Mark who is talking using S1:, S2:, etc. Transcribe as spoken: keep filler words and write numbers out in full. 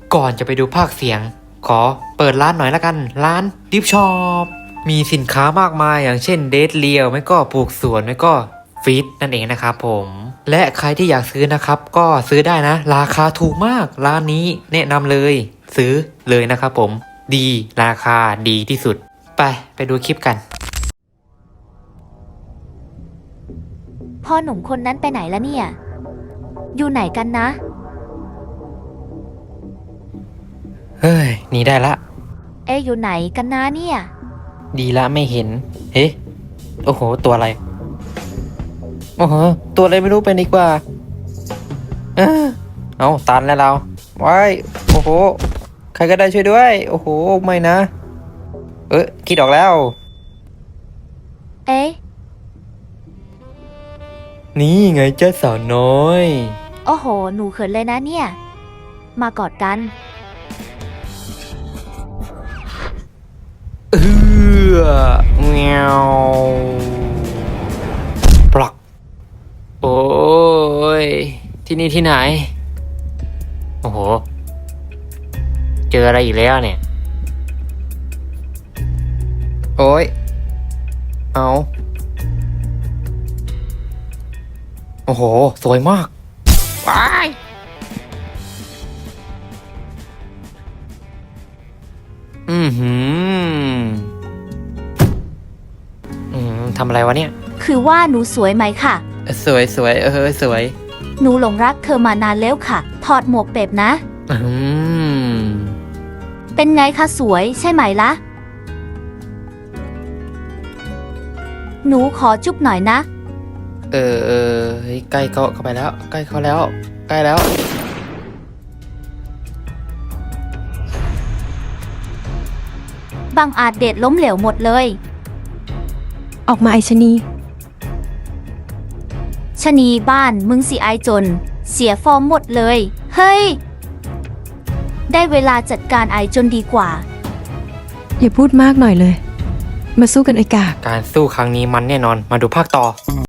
S1: ก่อนจะไปดูภาคเสียงขอเปิดร้านหน่อยละกันร้านดิฟช็อปมีสินค้ามากมายอย่างเช่นเดทเลียวไม่ก็ปลูกสวนไม่ก็ฟีดนั่นเองนะครับผมและใครที่อยากซื้อนะครับก็ซื้อได้นะราคาถูกมากร้านนี้แนะนำเลยซื้อเลยนะครับผมดีราคาดีที่สุดไปไปดูคลิปกัน
S2: พ่อหนุ่มคนนั้นไปไหนแล้วเนี่ยอยู่ไหนกันนะ
S1: เฮ้ยหนีได้ละ
S2: เอ๊ะอยู่ไหนกันนะเนี่ย
S1: ดีละไม่เห็นเฮ้โอ้โหตัวอะไรโอ้โหตัวอะไรไม่รู้เป็นดีกว่าเออเอาตันแล้วเราว้ายโอ้โหใครก็ได้ช่วยด้วยโอ้โหไม่นะเออคิดออกแล้ว
S2: เอ๊ะ
S1: นี่ไงเจ้าสาวน้อย
S2: โอ้โหหนูเขินเลยนะเนี่ยมากอดกัน
S1: เออเงี้ยวปลักโอ้ยที่นี่ที่ไหนโอ้โหเจออะไรอีกแล้วเนี่ยโอ้ยเอาโอ้โหสวยมากว้ายอืมหืมอืมทำอะไรวะเนี่ย
S2: คือว่าหนูสวยไหมค่ะ
S1: สวยสวยเออสวย
S2: หนูหลงรักเธอมานานแล้วค่ะถอดหมวกเป็บนะ
S1: อืม
S2: เป็นไงคะสวยใช่ไหมล่ะหนูขอจุ๊บหน่อยนะ
S1: เออเออใกล้เข้าเข้าไปแล้วใกล้เข้าแล้วใกล้แล้ว
S2: บางอาจเด็ดล้มเหลวหมดเลย
S3: ออกมาไอชนี
S2: ชนีบ้านมึงสิไอจนเสียฟอร์มหมดเลยเฮ้ยได้เวลาจัดการไอจนดีกว่า
S3: อย่าพูดมากหน่อยเลยมาสู้กันไอกาก
S1: การสู้ครั้งนี้มันแน่นอนมาดูภาคต่อ